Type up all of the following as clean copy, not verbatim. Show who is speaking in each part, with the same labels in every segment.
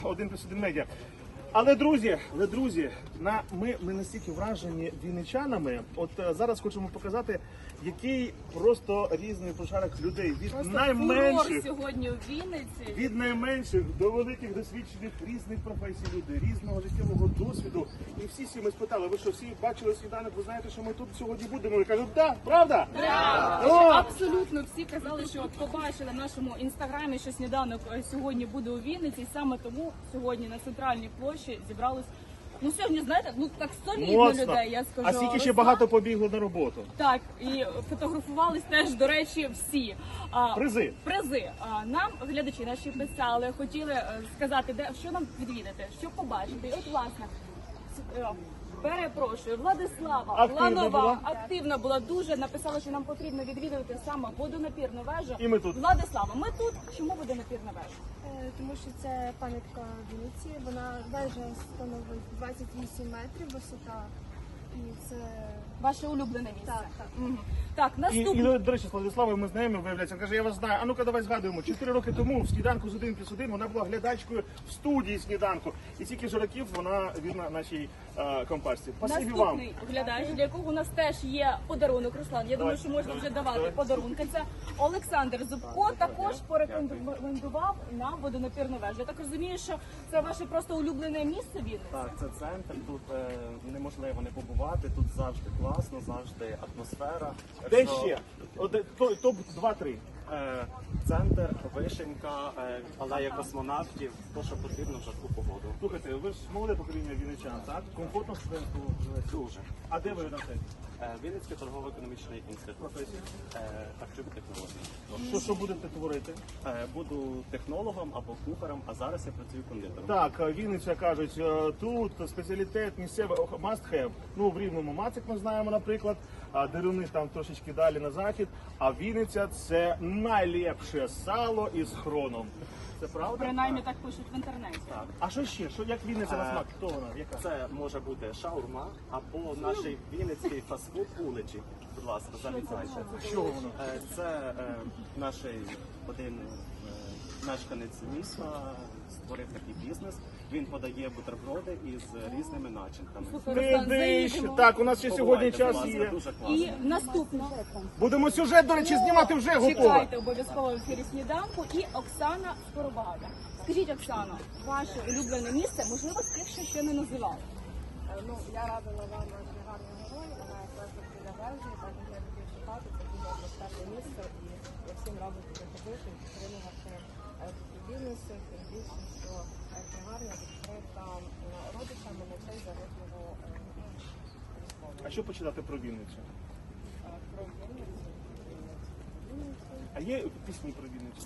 Speaker 1: 1+1 медіа. Але друзі, ми настільки вражені вінничанами. От зараз хочемо показати, який просто різний пошарок людей. Від найменших
Speaker 2: сьогодні у Вінниці.
Speaker 1: Від найменших до великих досвідчених різних професій людей, різного життєвого досвіду. І всі ми спитали, ви що, всі бачили сніданок, ви знаєте, що ми тут сьогодні будемо? І кажуть, так, правда?
Speaker 2: Абсолютно всі казали, що побачили в нашому інстаграмі, що сніданок сьогодні буде у Вінниці. І саме тому сьогодні на центральній площі зібралось, сьогодні, знаєте, так солідно людей, я скажу.
Speaker 1: А скільки ще багато побігло на роботу.
Speaker 2: Так, і фотографувались теж, до речі, всі. Призи. Нам глядачі наші писали, хотіли сказати, що нам відвідати, що побачити. І от, власне, перепрошую, Владислава активна була дуже, написала, що нам потрібно відвідувати саме водонапірну вежу.
Speaker 1: І ми тут.
Speaker 2: Владислава, ми тут. Чому водонапірна вежа?
Speaker 3: Тому що це пам'ятка Вінниці, вежа становить 28 метрів висота, і це
Speaker 2: ваше улюблене місце.
Speaker 3: Так.
Speaker 2: Так, наступне.
Speaker 1: І, до речі, з Владиславою ми знаємо, виявляється, каже, я вас знаю, а ну-ка давай згадуємо, 4 роки тому в сніданку з 1+1 вона була глядачкою в студії сніданку. І стільки ж років вона вірна нашій компашці. Спасибі вам.
Speaker 2: Наступний глядач, для якого у нас теж є подарунок, Руслан. Я думаю, що можна вже давати подарунки. Це Олександр Зубко, також порекомендував нам водонапірну вежу. Я так розумію, що це ваше просто улюблене місце Вінниці?
Speaker 4: Так, це центр, тут неможливо не побувати, тут завжди класно, завжди атмосфера.
Speaker 1: Де ще? Топ 2-3.
Speaker 4: Центр, вишенька, алея космонавтів, то, що потрібно в жарку погоду.
Speaker 1: Слухайте, ви ж молоде покоління вінничан, так? Комфортно студентку живете?
Speaker 4: Дуже.
Speaker 1: А де ви навчаєтесь?
Speaker 4: Вінницький торгово-економічний інститут.
Speaker 1: Професія?
Speaker 4: Харчові технології.
Speaker 1: Що будете творити?
Speaker 4: Буду технологом або кухарем, а зараз я працюю кондитером.
Speaker 1: Так, Вінниця, кажуть, тут спеціалітет місцевий must have. Ну, в Рівному Мацик ми знаємо, наприклад, а Деруни там трошечки далі на захід. А Вінниця – це найліпше сало із хроном. Це правда?
Speaker 2: Принаймні так пишуть в інтернеті.
Speaker 4: Так.
Speaker 1: А що ще? Як Вінниця на смак? Хто вона? Яка?
Speaker 4: Це може бути шаурма або наш вінницький фастфуд уличі. Будь ласка, завітайте.
Speaker 1: Що воно?
Speaker 4: Це наш один мешканець міста створив такий бізнес. Він подає бутерброди із різними начинками.
Speaker 2: Руслан, заїдемо.
Speaker 1: Так, у нас ще сьогодні
Speaker 4: Побувайте,
Speaker 1: час
Speaker 4: будь ласка,
Speaker 1: є.
Speaker 4: дуже класно.
Speaker 2: І наступне.
Speaker 1: Будемо сюжет, до речі, знімати вже готово.
Speaker 2: Чекайте обов'язково в ефірі сніданку. І Оксана Скоробагата. Скажіть, Оксано, ваше улюблене місце, можливо, з тих, що ще не називали?
Speaker 3: Ну, я радила вам наш гарний герой, вона якраз біля вежі, так як я люблю шукати, це дуже атмосферне місце, і я всім раджу туди ходити, підтримувати такі бізнеси, тим більше, що це гарно відкрита родичами на цей загиблого військового.
Speaker 1: А що почитати про Вінницю?
Speaker 3: Про Вінницю.
Speaker 1: А є пісні про Вінницю?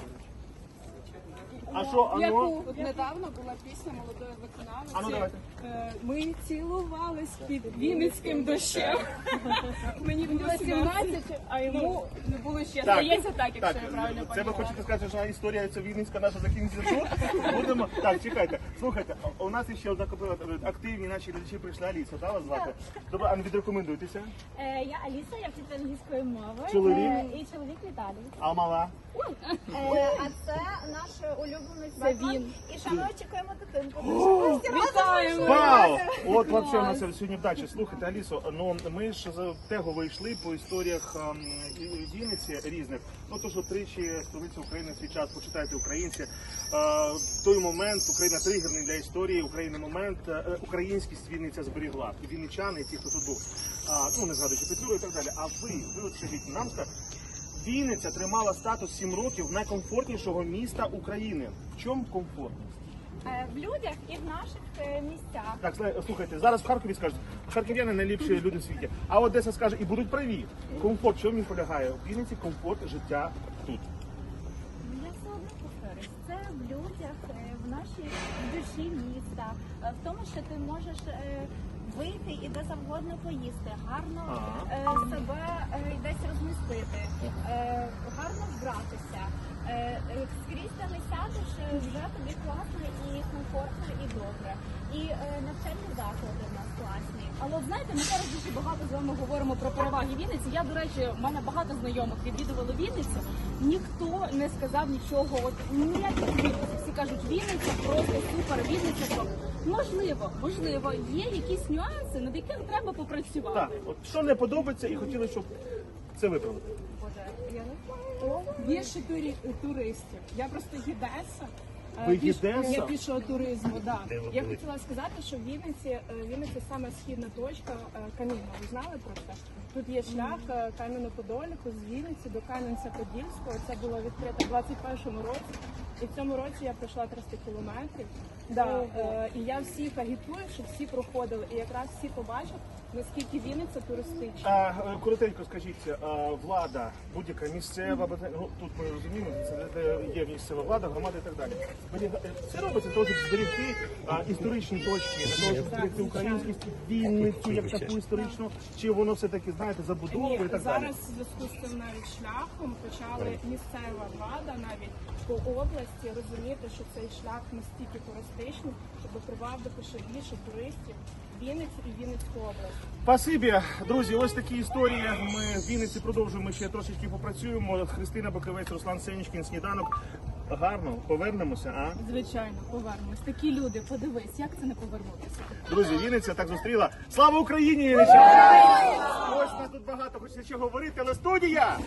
Speaker 1: А що,
Speaker 2: Яку?
Speaker 5: От недавно була пісня молодої виконавиці.
Speaker 1: А ну давайте.
Speaker 5: Ми цілувались під вінницьким дощем.
Speaker 2: Мені було 17, а йому не було ще. Здається так, якщо я правильно
Speaker 1: Це ви
Speaker 2: пам'ятаю.
Speaker 1: хочете сказати, що історія ця Вінницька наша закінчиться тут? Будемо. Так, чекайте. Слухайте, у нас ще одна активні наші глядачі прийшли. Аліса, так вас звати? Добре, а відрекомендуйтеся.
Speaker 6: Я Аліса, я вчитель англійської мови.
Speaker 1: Чоловік?
Speaker 6: І чоловік Віталій.
Speaker 1: А мала?
Speaker 3: А це наш улюблений
Speaker 2: Це
Speaker 3: заклад.
Speaker 2: він.
Speaker 3: І ще ми чекаємо дитинку.
Speaker 2: Вітаємо!
Speaker 1: Вау! От вообще у нас сьогодні вдача. Слухайте, Алісо, ну ми ж з того вийшли по історіях Вінниці різних. Ну то, що тричі столиця України в свій час, почитайте українці. Той момент, Україна тригерний для історії, України момент, українськість Вінниця зберігла. І вінничани, і ті, хто тут був. Ну не згадуючи Петлюру і так далі. А ви от скажіть, нам скажіть, Вінниця тримала статус 7 років найкомфортнішого міста України. В чому комфортність?
Speaker 6: В людях і в наших місцях.
Speaker 1: Так, слухайте, зараз в Харкові скажуть, харків'яни найліпші люди в світі. А Одеса скаже, і будуть праві. Комфорт, що в ній полягає? В Вінниці комфорт життя тут.
Speaker 6: Я все одно повторюсь. Це в людях, в нашій душі міста, в тому, що ти можеш вийти і де завгодно поїсти, гарно себе десь розмістити, гарно вбратися. Скрізь де не сядеш, вже тобі класно і комфортно, і добре. І навчальні заклади в нас класні.
Speaker 2: Але от знаєте, ми зараз дуже багато з вами говоримо про переваги Вінниці. Я, до речі, в мене багато знайомих відвідували Вінницю. Ніхто не сказав нічого, от ніяких відповідей. Всі кажуть, Вінниця просто супер, Вінниця топ. Можливо, є якісь нюанси, над якими треба попрацювати.
Speaker 1: Так, от що не подобається, і хотіли, щоб це виправити.
Speaker 3: Я не знаю.
Speaker 5: Більше туристів. Я просто гідеса.
Speaker 1: Ви гідеса?
Speaker 5: Я пішого туризму, да.
Speaker 1: Де ви
Speaker 5: Я
Speaker 1: були?
Speaker 5: хотіла сказати, що Вінниця саме східна точка Камінна. Ви знали про це? Тут є шлях Кам'яно-Подоліку з Вінниці до Кам'янця-Подільського. Це було відкрито в 21-му році. І в цьому році я пройшла 300 кілометрів. Да, і я всіх агітую, щоб всі проходили. І якраз всі побачать, наскільки Вінниця туристична.
Speaker 1: Коротенько скажіть, влада, будь-яка місцева, ну, тут ми розуміємо, це є місцева влада, громада і так далі. Це робиться для того, щоб зберегти історичні точки, для того, щоб зберегти українськість, Вінницю як таку історичну, чи воно все-таки, знаєте, забудовує і так далі?
Speaker 5: Зараз в зв'язку з цим навіть шляхом почали місцева влада навіть по області розуміти, що цей шлях настільки туристичний, щоб привабити ще більше туристів в Вінницю і Вінницьку область.
Speaker 1: Спасибі, друзі, ось такі історії. Ми в Вінниці продовжуємо, ще трошечки попрацюємо. Христина Бакривець, Руслан Сенічкін, Сніданок. Гарно, повернемося, а?
Speaker 2: Звичайно, повернемось. Такі люди, подивись, як це не повернутися.
Speaker 1: Друзі, Вінниця так зустріла. Слава Україні, Вінничани! Ось нас тут багато, хочеться ще говорити, але студія!